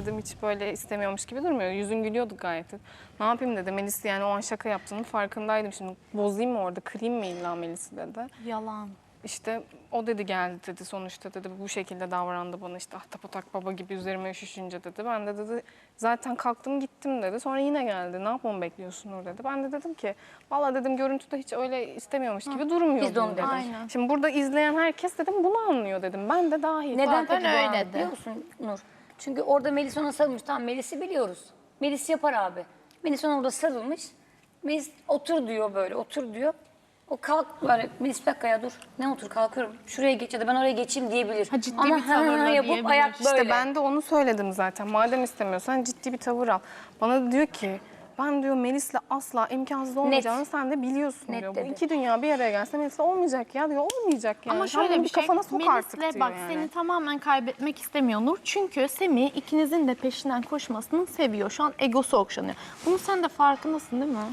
dedim hiç böyle istemiyormuş gibi durmuyor. Yüzün gülüyordu gayet. Ne yapayım dedi. Melis yani o an şaka yaptığının farkındaydım. Şimdi bozayım mı orada, kırayım mı illa Melis'i dedi. Yalan. İşte o dedi geldi dedi sonuçta dedi bu şekilde davrandı bana işte ahtapot akbaba gibi üzerime üşüşünce dedi. Ben de dedi zaten kalktım gittim dedi. Sonra yine geldi ne yapmamı bekliyorsun Nur dedi. Ben de dedim ki valla dedim görüntüde hiç öyle istemiyormuş gibi durmuyor Biz de onu dedim. Aynen. Şimdi burada izleyen herkes dedim bunu anlıyor dedim. Ben de dahil. Neden Zaten peki bu öyle abi de. biliyor musun Nur? Çünkü orada Melis ona sarılmış. Tamam Melis'i biliyoruz. Melis yapar abi. Melis ona orada sarılmış. Melis otur diyor böyle otur diyor. O kalk böyle Melis bir dakika ya dur. Ne otur kalkıyorum. Şuraya geç ya da ben oraya geçeyim diyebilir. Ha, ciddi Ama bir tavırla yapıp diyebilir. ayak böyle. İşte ben de onu söyledim zaten. Madem istemiyorsan ciddi bir tavır al. Bana da diyor ki ben diyor Melis'le asla imkansız olmayacağını sen de biliyorsun Net diyor. dedi. Bu iki dünya bir araya gelse Melis'le olmayacak ya diyor. Olmayacak yani. Ama Sen şöyle bunu bir şey, kafana sok artık Melis'le diyor bak yani. seni tamamen kaybetmek istemiyor Nur. Çünkü Semih ikinizin de peşinden koşmasını seviyor. Şu an egosu okşanıyor. Bunun sen de farkındasın değil mi?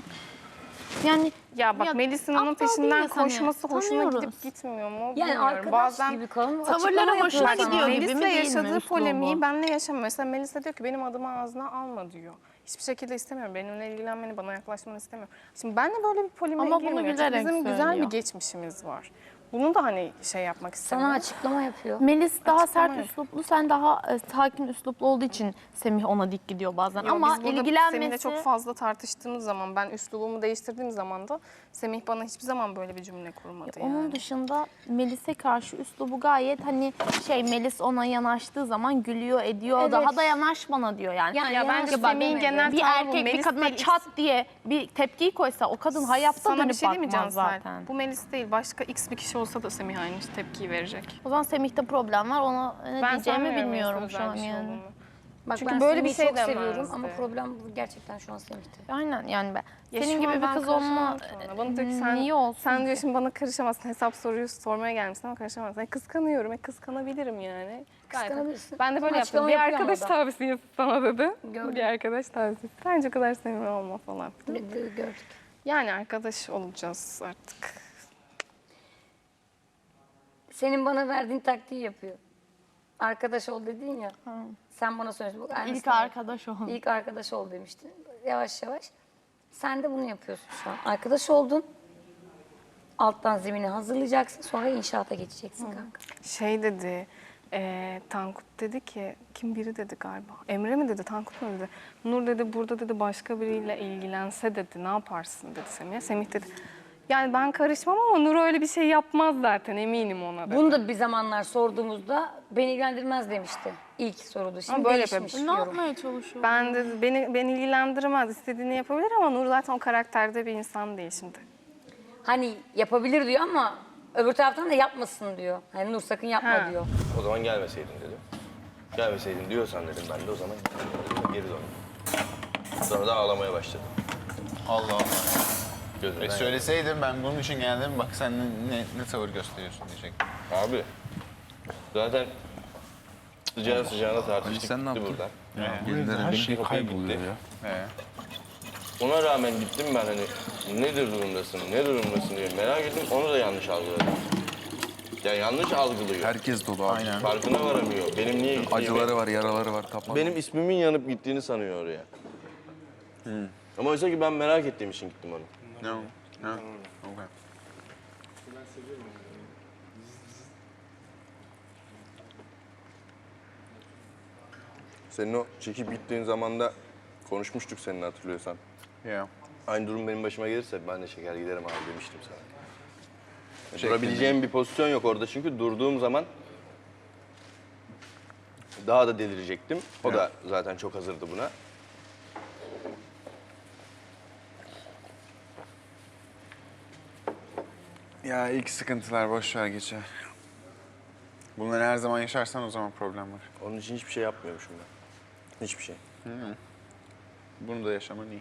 Yani Ya bak Melis'in onun aptal peşinden değiliz hani. koşması hoşuna Tanıyoruz. gidip gitmiyor mu? Yani Bilmiyorum. arkadaş Bazen gibi kalın. Tavırları açıklama hoşuna yapıyor gidiyor sana. gibi mi, Melis'le değil mi yaşadığı üslubu? polemiği benle yaşamıyor. Mesela Melis de diyor ki benim adımı ağzına alma diyor. Hiçbir şekilde istemiyorum. Benimle ilgilenmeni, bana yaklaşmanı istemiyorum. Şimdi benle böyle bir polemiğe Ama bunu girmiyor. Çünkü gülerek bizim güzel bir söylüyor. geçmişimiz var. Bunu da hani şey yapmak istemiyorum. Sana açıklama yapıyor. Melis daha Açıklama sert yok. üsluplu, sen daha sakin üsluplu olduğu için Semih ona dik gidiyor bazen. Yo, Ama biz burada ilgilenmesi... Semih'le çok fazla tartıştığımız zaman, ben üslubumu değiştirdiğim zaman da Semih bana hiçbir zaman böyle bir cümle kurmadı yani. Onun dışında Melis'e karşı üslubu gayet hani Melis ona yanaştığı zaman gülüyor ediyor. Evet. Daha da yanaş bana diyor yani. Yani Ya bence yanaşma Semih'in demedi. genel bir tavrı bu. erkek bir Melis kadına değil, çat diye bir tepkiyi koysa o kadın hayatta Sana bir dönüp şey demeyeceğim bakmaz zaten. zaten. Bu Melis değil. Başka X bir kişi olsa da Semih aynı tepkiyi verecek. O zaman Semih'te problem var. Ona ne Ben diyeceğimi sanmıyorum bilmiyorum Melis'e şu özel an bir şey yani. olduğunu. Bak Çünkü ben böyle bir Semih'i şey çok seviyorum demezdi. ama problem bu gerçekten şu an Semih'te. Aynen yani ben. Ya Senin şu gibi an bir ben kız olma karışamam sonra. Bana diyor ki sen, niye olsun sen diyor ki? şimdi bana karışamazsın. Hesap soruyu sormaya gelmişsin ama karışamazsın. Kıskanıyorum. Kıskanabilirim yani. Gayet. Kıskanabilirsin. Ben de böyle Ama yaptım. açıklama Bir yapıyor arkadaş ama o da. tavsiyesi sana dedi. Gördüm. Bir arkadaş tavsiyesi. Bence o kadar samimi olma falan. Gördük. Yani arkadaş olacağız artık. Senin bana verdiğin taktiği yapıyor. Arkadaş ol dedin ya. Sen bana söyledin. Bak, İlk aynısını- arkadaş olun. İlk arkadaş ol demiştin. Yavaş yavaş. Sen de bunu yapıyorsun şu an. Arkadaş oldun. Alttan zemini hazırlayacaksın. Sonra inşaata geçeceksin kanka. Şey dedi, Tankut dedi ki, kim biri dedi galiba. Emre mi dedi, Tankut mu dedi. Nur dedi, burada dedi başka biriyle ilgilense dedi, ne yaparsın dedi Semih'e. Semih dedi, yani ben karışmam ama Nur öyle bir şey yapmaz zaten, eminim ona dedi. Bunu da bir zamanlar sorduğumuzda beni ilgilendirmez demişti. İlk soruda. Şimdi Ama böyle değişmiş Ne yorum. yapmaya çalışıyor? Ben dedi, beni ilgilendirmez, istediğini yapabilir ama Nur zaten o karakterde bir insan değil şimdi. Hani yapabilir diyor ama öbür taraftan da yapmasın diyor. Hani Nur sakın yapma Ha. diyor. O zaman gelmeseydin dedim. Gelmeseydin diyorsan dedim ben de o zaman geri döndüm. Sonra da ağlamaya başladım. Allah Allah. Gözümden Söyleseydin ben bunun için geldim bak sen ne tavır gösteriyorsun diyecek. Abi zaten sıcağı sıcağına tartıştık sen ne gitti yaptın? buradan. Her şey Kapıya kayboluyor gitti. ya. Ona rağmen gittim ben hani nedir durumdasın, ne durumdasın diye merak ettim. Onu da yanlış algıladım. Ya yanlış algılıyor. Herkes dolu abi. Aynen. Farkına varamıyor. Benim niye gittiğimi. Acıları var, yaraları var. Tapma. Benim ismimin yanıp gittiğini sanıyor oraya. Ama oysa ki ben merak ettiğim için gittim onu. No. No. Okay. Senin o çekip gittiğin zaman da konuşmuştuk seninle hatırlıyorsan. Yeah. Aynı durum benim başıma gelirse ben de çeker giderim abi demiştim sana. Çektin Durabileceğim bir pozisyon yok orada çünkü durduğum zaman daha da delirecektim. O da zaten çok hazırdı buna. Ya ilk sıkıntılar boş ver geçer. Bunları her zaman yaşarsan o zaman problem var. Onun için hiçbir şey yapmıyormuşum ben. Hiçbir şey. Bunu da yaşaman iyi.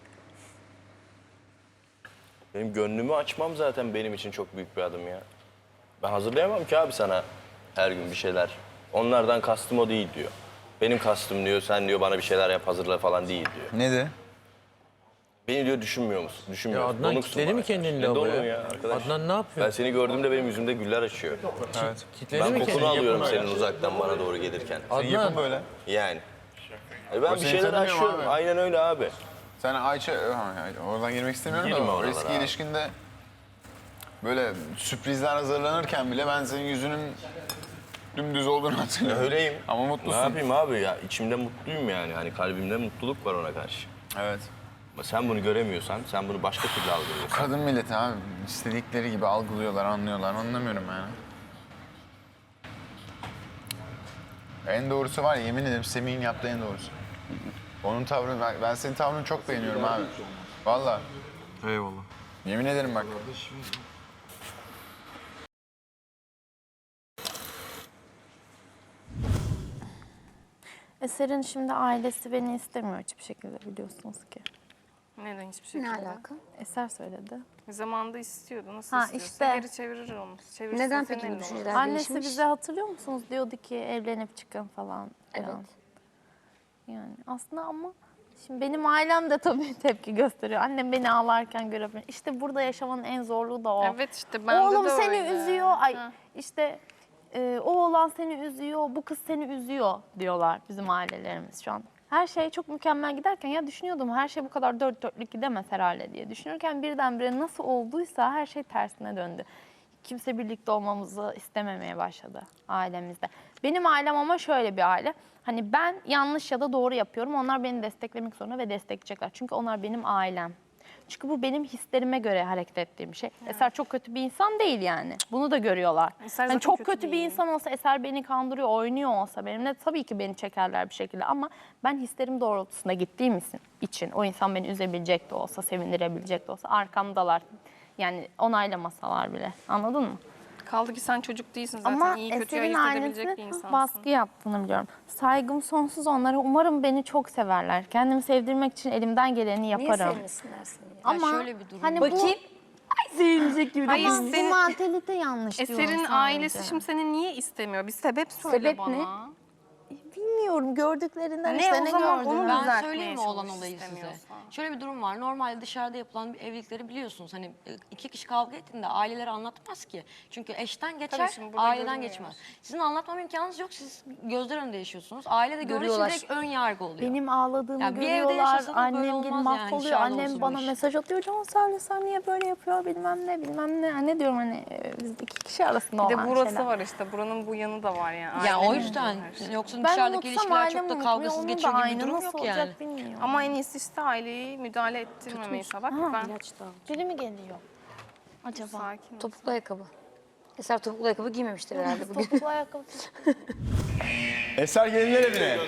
Benim gönlümü açmam zaten benim için çok büyük bir adım ya. Ben hazırlayamam ki abi sana her gün bir şeyler. Onlardan kastım o değil diyor. Benim kastım diyor, sen diyor bana bir şeyler yap hazırla falan değil diyor. Ne de? Beni diyor düşünmüyor musun? Düşünmüyor Ya musun? Adnan Donuksun kitledi bana mi karşı. kendini Ne lavaboya? donuğu ya arkadaş? Adnan ne yapıyor? Ben seni gördüğümde benim yüzümde güller açıyor. Evet. Kitledi Ben mi kokunu kendini? alıyorum senin uzaktan bana doğru gelirken. Yapın Adnan böyle. Yani. Ben O bir seni şeyler tanımıyor mu aşıyorum. abi? Aynen öyle abi. Sen Ayça, oradan girmek istemiyorum Girme da o oralara eski abi. ilişkinde böyle sürprizler hazırlanırken bile ben senin yüzünün dümdüz olduğunu hatırlıyorum. Öyleyim. Ama Ne mutlusun. yapayım abi ya? İçimde mutluyum yani. Hani kalbimde mutluluk var ona karşı. Evet. Ama sen bunu göremiyorsan, sen bunu başka türlü algılıyorsun. Kadın milleti abi istedikleri gibi algılıyorlar, anlıyorlar. Anlamıyorum yani. En doğrusu var ya, yemin ederim Semih'in yaptığı en doğrusu. Onun tavrını, ben senin tavrını çok beğeniyorum abi. Vallahi. Eyvallah. Yemin ederim bak. Eser'in şimdi ailesi beni istemiyor hiçbir şekilde, biliyorsunuz ki. Neden hiçbir şekilde? Ne alaka? Eser söyledi. Zamanında istiyordu. Nasıl Ha, istiyorsa işte. geri çevirir onu. Çevirsin Neden senin peki bu elinde düşünceler olur. Annesi değişmiş? bize hatırlıyor musunuz? Diyordu ki evlenip çıkın falan. Evet. filan. Yani aslında ama şimdi benim ailem de tabii tepki gösteriyor. Annem beni ağlarken görebilir. İşte burada yaşamanın en zorluğu da o. Evet işte bende Oğlum de seni öyle. üzüyor. Ay Ha. işte o oğlan seni üzüyor, bu kız seni üzüyor diyorlar bizim ailelerimiz şu an. Her şey çok mükemmel giderken ya düşünüyordum her şey bu kadar dört dörtlük gidemez herhalde diye. Düşünürken birdenbire nasıl olduysa her şey tersine döndü. Kimse birlikte olmamızı istememeye başladı ailemizde. Benim ailem ama şöyle bir aile. Hani ben yanlış ya da doğru yapıyorum. Onlar beni desteklemek zorunda ve destekleyecekler. Çünkü onlar benim ailem. Çünkü bu benim hislerime göre hareket ettiğim şey. Eser çok kötü bir insan değil yani. Bunu da görüyorlar. Eser Hani zaten çok kötü kötü bir değil. insan olsa, Eser beni kandırıyor, oynuyor olsa benimle tabii ki beni çekerler bir şekilde. Ama ben hislerim doğrultusunda gittiğim için o insan beni üzebilecek de olsa, sevindirebilecek de olsa arkamdalar. Yani onaylamasalar bile. Anladın mı? Kaldı ki sen çocuk değilsin zaten. Ama İyi kötü Eser'in ayırt edebilecek bir ailesine insansın. baskı yaptığını biliyorum. Saygım sonsuz onlara. Umarım beni çok severler. Kendimi sevdirmek için elimden geleni Niye yaparım. sevmesinler seni? Ama şöyle bir durum hani Bakayım. bu sevinecek gibi. Hayır, Ama senin- bu mantalite yanlış diyorum Eser'in sadece. ailesi şimdi seni niye istemiyor? Bir sebep söyle Sebep bana. ne? Bilmiyorum, gördüklerinden Ne, işte o ne zaman gördüler. onu Ben düzeltmeye söyleyeyim mi olan çalış olayı size? istemiyorsan. Şöyle bir durum var. Normalde dışarıda yapılan bir evlilikleri biliyorsunuz. Hani iki kişi kavga ettiğinde aileleri anlatmaz ki. Çünkü eşten geçer, şimdi burada aileden görünmüyor. geçmez. Sizin anlatmam imkanınız yok. Siz gözler önünde yaşıyorsunuz. Aile de gördüğü için Görüyorlar. direkt ön yargı oluyor. Benim ağladığımı Ya bir evde görüyorlar. yaşasa da böyle Annem olmaz gibi yani, mahvoluyor. dışarıda Annem olsun bana bu iş. mesaj atıyor. Can sen niye böyle yapıyor bilmem ne bilmem ne. Anne diyorum hani biz iki kişi arasında Bir olan de burası şeyler. var işte. Buranın bu yanı da var yani. Ya o Ailenin yüzden her şey. yoksa Ben dışarıdaki unutsam ilişkiler çok ailem da unutmuyor, kavgasız onun da geçiyor gibi bir aynı. durum Nasıl yok olacak yani. bilmiyorum. Ama en iyisi işte aileyi müdahale ettirmemeyi bak. Ben Biri mi geliyor? Acaba? sakin ol. Topuklu ayakkabı. Eser topuklu ayakkabı giymemiştir herhalde bugün. Topuklu ayakkabı. Eser gelinler evine.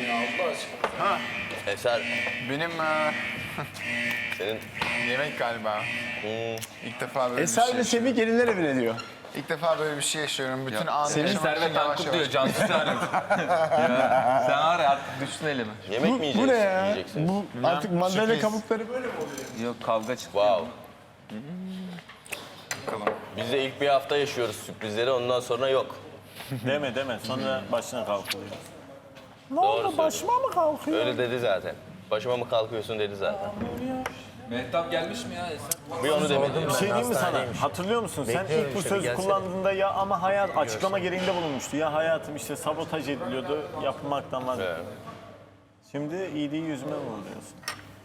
Eser, Benim senin yemek galiba. İlk defa böyle Eser bir ve şey. Semih gelinler evine diyor. İlk defa böyle bir şey yaşıyorum. Bütün anı Senin yaşamak için Servet yavaş Tankut diyor, yavaş. Cansu Servet. Ya, sen var ya artık düştün elime. yemek mi Bu yiyeceksin? ne ya? Yiyeceksiniz. Bu artık mandalina sürpriz. kabukları böyle mi oluyor? Yok kavga çıktı. Wow. Bakalım. Biz de ilk bir hafta yaşıyoruz sürprizleri, ondan sonra yok. Deme. Sonra başına kalkılıyor. Ne Doğru oldu? söylüyorsun. Başıma mı kalkıyor? Öyle dedi zaten. Başıma mı kalkıyorsun dedi zaten. Mehtap gelmiş mi ya Eser? Bir onu demedim. Bir şey diyeyim mi sana? Hatırlıyor musun? Sen Bekliyorum ilk bu işte, sözü bir gelsene. kullandığında ya ama hayat açıklama gereğinde bulunmuştu. Ya hayatım işte sabotaj ediliyordu, yapılmaktan vazgeçtim. Evet. Şimdi iyiliği yüzüme mi vuruyorsun?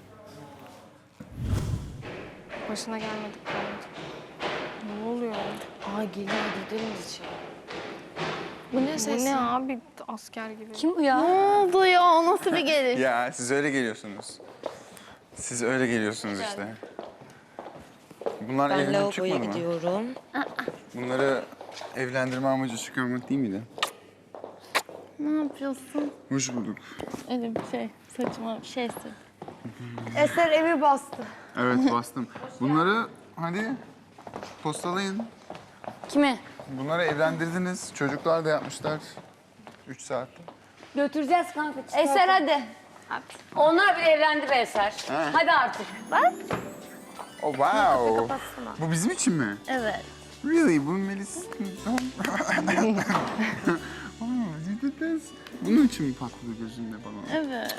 Başına gelmedik bence. Ne oluyor? Ay geliyor gidelim için. Bu ne Bu ne abi? Asker gibi. Kim bu ya? Ne oldu ya? O nasıl bir geliş? Ya siz öyle geliyorsunuz. Siz öyle geliyorsunuz işte. Bunlar Ben evlenip lavaboya çıkmadı mı? gidiyorum. Bunları evlendirme amacı çıkarmak değil miydi? Ne yapıyorsun? Hoş bulduk. Öyle bir şey, saçma bir şeysin. Eser evi bastı. Evet bastım. Bunları hadi postalayın. Kime? Bunları evlendirdiniz. Çocuklar da yapmışlar. 3 saatte. Götüreceğiz kanka. Eser hadi. Onlar bile evlendi be Eser. Hadi artık. Oh wow. Bu bizim için mi? Evet. Really? Bu Melis... Oh, bunun için mi patladı gözünde bana? Evet.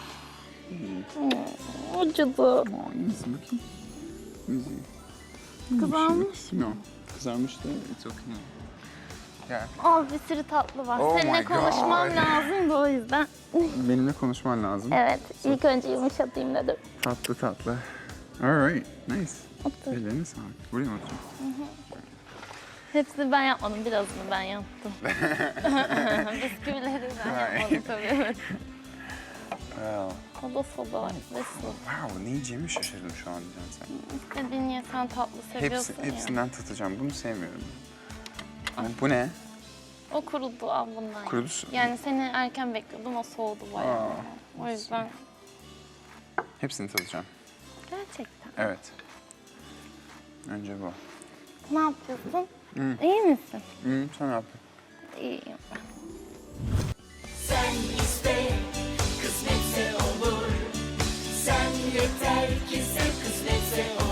Acıdı. Aa, iyi misin bakayım? İyi. Kızarmış. No. Kızarmış da it's okay. Gel. Al bir sürü tatlı var. Oh Seninle my konuşmam God. lazım da o yüzden. Benimle konuşman lazım. Evet, ilk önce yumuşatayım dedim. Tatlı tatlı. Alright, nice. Ellerine sağlık. Buraya mı oturayım? Hepsini ben yapmadım, birazını ben yaptım. Bisküvileri ben yapmadım tabii. Evet. Well, O da soda ve su. wow, ne yiyeceğimi şaşırdım şu an diyeceğim sen. İstediğin ye, sen tatlı seviyorsun ya. Hepsinden tatacağım. Bunu sevmiyorum. Bu ne? O kurudu al bundan. Kurudu su. Yani seni erken bekliyordum, o soğudu bayağı. Aa, O yüzden Hepsini tadacağım. gerçekten. Evet. Önce bu. Ne yapıyorsun? İyi misin? Sen ne yaptın? İyiyim. Sen iste, kısmetse olur. Sen yeter ki sev, kısmetse olur.